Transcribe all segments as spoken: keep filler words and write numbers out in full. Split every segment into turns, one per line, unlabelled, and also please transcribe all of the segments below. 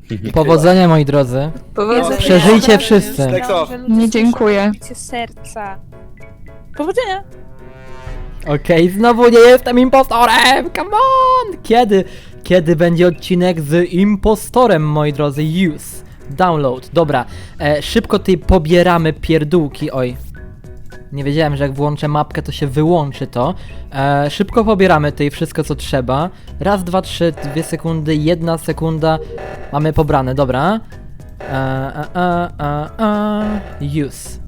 Powodzenia, moi drodzy.
Powodzenia.
Przeżyjcie wszyscy.
Nie dziękuję.
Serca. Powodzenia.
Okej, znowu nie jestem impostorem! Come on! Kiedy? Kiedy będzie odcinek z impostorem, moi drodzy? Use. Download. Dobra. E, szybko tutaj pobieramy pierdółki. Oj. Nie wiedziałem, że jak włączę mapkę, to się wyłączy to. E, szybko pobieramy tutaj wszystko, co trzeba. Raz, dwa, trzy, dwie sekundy, jedna sekunda. Mamy pobrane, dobra. E, a, a, a, a. Use.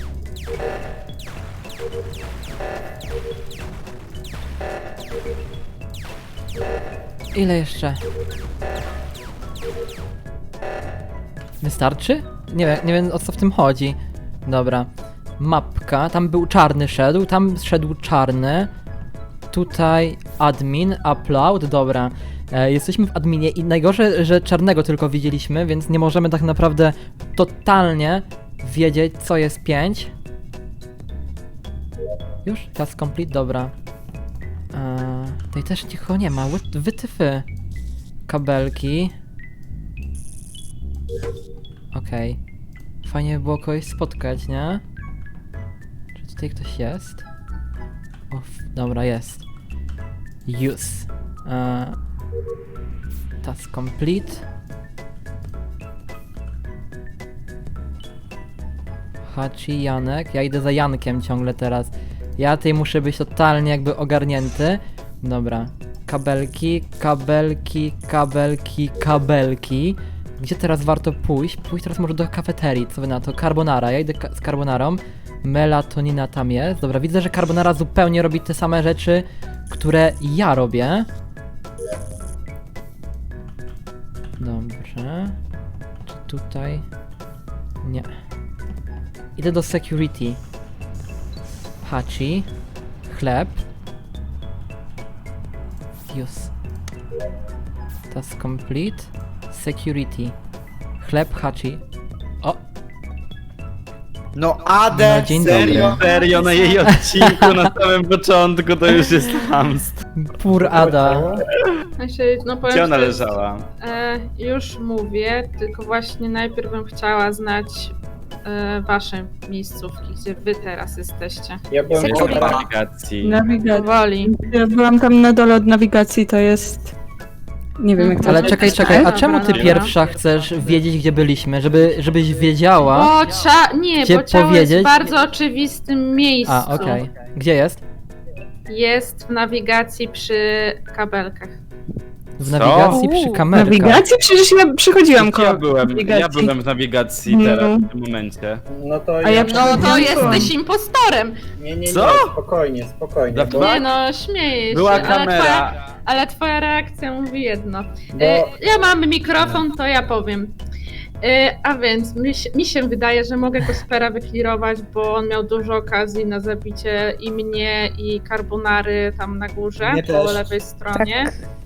Ile jeszcze? Wystarczy? Nie wiem, nie wiem o co w tym chodzi. Dobra. Mapka, tam był czarny szedł, tam szedł czarny. Tutaj admin, upload, dobra. E, jesteśmy w adminie i najgorsze, że czarnego tylko widzieliśmy, więc nie możemy tak naprawdę totalnie wiedzieć, co jest pięć. Już? Task complete, dobra. Eee, tutaj też nikogo nie ma, Wy- wytyfy. Kabelki. Okej. Fajnie by było kogoś spotkać, nie? Czy tutaj ktoś jest? O, dobra, jest. Use. Eee, task complete. Hachi, Janek. Ja idę za Jankiem ciągle teraz. Ja tutaj muszę być totalnie jakby ogarnięty. Dobra. Kabelki, kabelki, kabelki, kabelki. Gdzie teraz warto pójść? Pójść teraz może do kafeterii. Co wy na to? Carbonara. Ja idę ka z carbonarą. Melatonina tam jest. Dobra, widzę, że carbonara zupełnie robi te same rzeczy, które ja robię. Dobrze. Czy tutaj? Nie. Idę do security. Hachi. Chleb. Use. Task complete. Security. Chleb, Hachi. O!
No Ade,
No, dzień
serio?
dobry.
Serio, na jej odcinku na samym początku to już jest hamstwo.
Pur Ada.
Znaczy, no powiem
Gdzie ona
szczerze,
leżała?
E, już mówię, tylko właśnie najpierw bym chciała znać e, wasze miejscówki, gdzie wy teraz jesteście.
Ja byłem
Nie
Security.
ma nawigacji.
Nawigacja.
Powoli.
Ja byłam tam na dole od nawigacji, to jest... Nie wiem jak to
Ale
nazywa.
czekaj, czekaj, a
Dobra,
czemu ty
dobra.
pierwsza chcesz wiedzieć, gdzie byliśmy? Żeby, żebyś wiedziała.
Bo cia... Nie,
Gdzie
bo ciało
powiedzieć?
jest w bardzo oczywistym miejscu.
A, okej. Gdzie jest?
Jest w nawigacji przy kabelkach.
W
Co?
nawigacji przy
W
kamerkach.
nawigacji? Przecież ja przychodziłam koło
Ja byłem, ja
nawigacji.
byłem w nawigacji
No.
teraz, w tym momencie.
No to
A ja
No to
Byłam.
jesteś impostorem!
Nie, nie, nie,
Co?
spokojnie, spokojnie.
Dobra.
Bo,
Nie no, śmieję się.
Była
ale twoja,
kamera.
ale twoja reakcja mówi jedno.
bo
E, ja mam mikrofon, to ja powiem. E, a więc mi się, mi się wydaje, że mogę Kospera wyklirować, bo on miał dużo okazji na zabicie i mnie, i Carbonary tam na górze,
Mnie
po
też.
lewej stronie.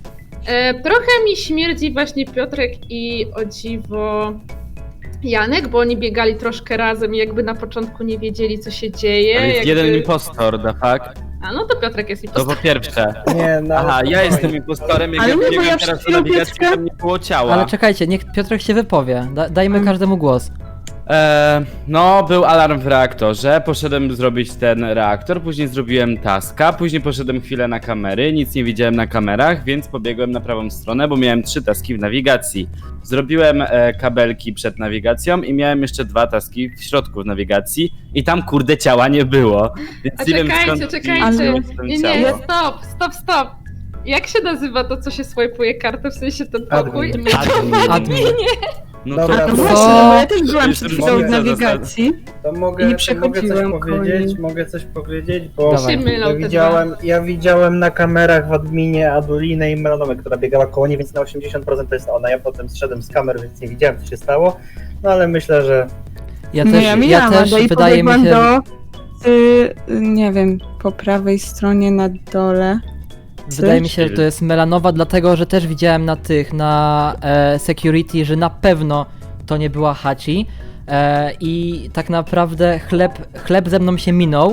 E, trochę mi śmierdzi właśnie Piotrek i o dziwo Janek, bo oni biegali troszkę razem i jakby na początku nie wiedzieli, co się dzieje.
Ale jest
jakby...
jeden impostor, da fakt?
A no to Piotrek jest
To
impostorem.
po pierwsze.
nie, no
Aha, ja
spokojnie.
jestem impostorem, jak
Ale
ja
nie, bo
biegłem
ja
teraz
przed
do
chwilą
nawigacji,
Piotrka-
tam nie było ciała.
Ale czekajcie, niech Piotrek się wypowie. Da dajmy
Mm.
każdemu głos.
E, no, był alarm w reaktorze, poszedłem zrobić ten reaktor, później zrobiłem taska, później poszedłem chwilę na kamery, nic nie widziałem na kamerach, więc pobiegłem na prawą stronę, bo miałem trzy taski w nawigacji. Zrobiłem e, kabelki przed nawigacją i miałem jeszcze dwa taski w środku w nawigacji i tam kurde ciała nie było. Więc
A
nie wiem
czekajcie,
skąd
czekajcie.
widziałem
Nie,
ciało.
nie, stop, stop, stop. Jak się nazywa to, co się swajpuje kartę, w sensie ten pokój?
Admin.
Admin.
Admin.
No
Dobra,
to
No
Co?
właśnie, no bo ja też byłam
Jeszcze
przed chwilą w
mogę
nawigacji.
To
I
mogę,
nie
to mogę
przechodziłam
coś
koło
powiedzieć,
niej.
mogę coś powiedzieć, bo
Dawaj.
Się mylą
ja
te
widziałem, ja widziałem na kamerach w adminie Adulinę i Melanowę, która biegała koło niej, więc na osiemdziesiąt procent to jest ona. Ja potem zszedłem z kamer, więc nie widziałem, co się stało. No ale myślę, że
Ja
No
też,
ja
ja
mijałam,
też
no i
wydaje mi
pobiegłam
się,
do... Y, nie wiem, po prawej stronie na dole.
wydaje mi się, że to jest melanowa, dlatego że też widziałem na tych, na e, security, że na pewno to nie była Hachi. E, I tak naprawdę chleb, chleb ze mną się minął.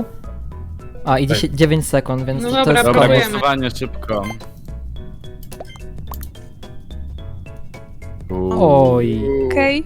A, i dziesięć, dziewięć sekund, więc
No
to
dobra,
jest
Dobra,
próbujemy.
głosowanie szybko.
Oj.
Okej.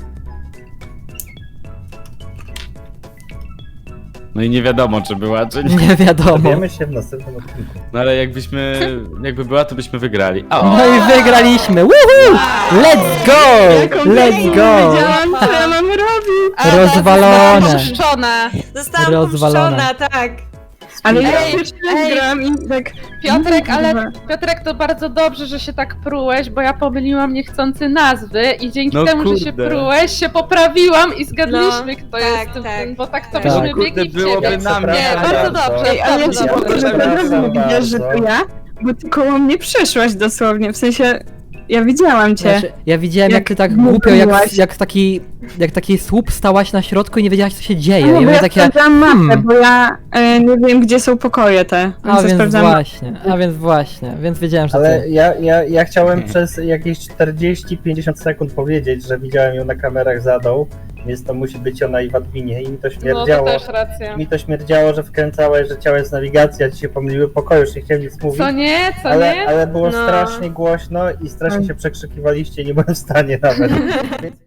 No i nie wiadomo, czy była, czy nie.
Nie wiadomo.
Wiemy się w następnym odcinku.
No ale jakbyśmy, jakby była, to byśmy wygrali. O!
No i wygraliśmy! Woohoo! Let's go! Let's go!
Wiedziałam, co ja mam robić.
A,
Rozwalone.
Puszczona.
Zostałam
Rozwalone.
puszczona, tak.
Ale ja
Ej,
pierwszy raz
ej.
gram i tak...
Piotrek, ale
Kurwa.
Piotrek, to bardzo dobrze, że się tak prułeś, bo ja pomyliłam niechcący nazwy i dzięki
No
temu, że się
kurde.
prułeś, się poprawiła i zgadliśmy,
No,
kto
tak,
jest tym,
tak.
bo tak to
Tak.
byśmy
No kurde,
biegli w
byłoby
ciebie.
na mnie.
Nie, bardzo dobrze,
Ej, ale ja
dobrze,
ci
dobrze.
powiem, że
Przepraszam
od razu nie widziałeś, że to
bardzo.
ja, bo ty koło mnie przeszłaś dosłownie, w sensie... Ja widziałam cię.
Znaczy, ja widziałem jak,
Jak
ty tak
mówiłaś.
głupio, jak, jak taki jak taki słup stałaś na środku i nie wiedziałaś co się dzieje.
No,
I
bo
mówię
ja
takie,
sprawdzałam mapę,
hmm.
bo ja e, nie wiem, gdzie są pokoje te.
a
Więc ja
więc
sprawdzałam
właśnie, a więc właśnie, więc wiedziałem, że
Ale
ty.
ja, ja, ja chciałem przez jakieś czterdzieści pięćdziesiąt sekund powiedzieć, że widziałem ją na kamerach za dół, więc to musi być ona i w adminie i mi to
No to
śmierdziało.
też racja.
Mi to śmierdziało, że wkręcałeś, że ciało jest nawigacja, ci się pomyliły pokoje, już nie chciałem nic mówić.
Co nie, co
Ale,
nie?
ale było
No.
strasznie głośno i strasznie się przekrzykiwaliście, nie byłem w stanie nawet. Więc